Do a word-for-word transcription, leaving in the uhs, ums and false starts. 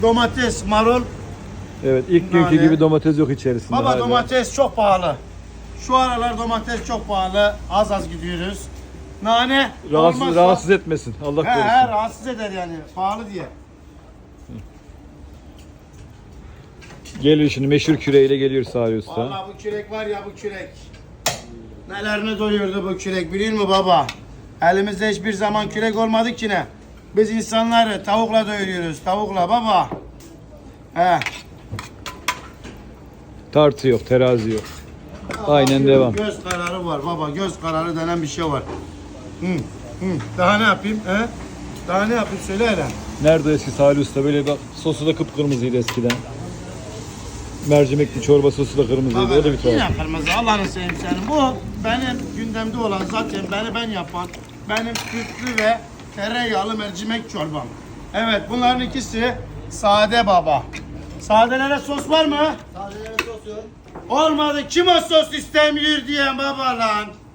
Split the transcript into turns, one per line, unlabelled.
Domates, marul.
Evet, ilk günkü
Nane.
gibi domates yok içerisinde.
Baba
hala.
domates çok pahalı. Şu aralar domates çok pahalı. Az az gidiyoruz. Nane
Rahatsız,
olmazsa-
rahatsız etmesin. Allah
He, he,
korusun.
rahatsız eder yani. Pahalı diye.
Geliyor şimdi meşhur küreğiyle geliyor Salih Usta.
Vallahi bu kürek var ya bu kürek. Nelerini doyurdu bu kürek biliyor musun baba? Elimizde hiçbir zaman kürek olmadı ki ne? Biz insanları tavukla doyuruyoruz. Tavukla baba. He.
Tartı yok, terazi yok. Aynen devam.
Göz kararı var baba. Göz kararı denen bir şey var. Hı, hı. Daha ne yapayım? He? Daha ne yapayım söyle hele.
Nerede eski Salih Usta? Böyle bak, sosu da kıpkırmızıydı eskiden. Mercimekli çorba sosu da kırmızıydı. O da bir tuhaf.
Yine kırmızı Allah'ını seveyim senin. Bu benim gündemde olan zaten beni ben yapan benim sütlü ve tereyağlı mercimek çorbam. Evet bunların ikisi sade baba. Sadelere sos var mı?
Sadelere sos yok.
Olmadı kim o sos istemiyor diye baba lan.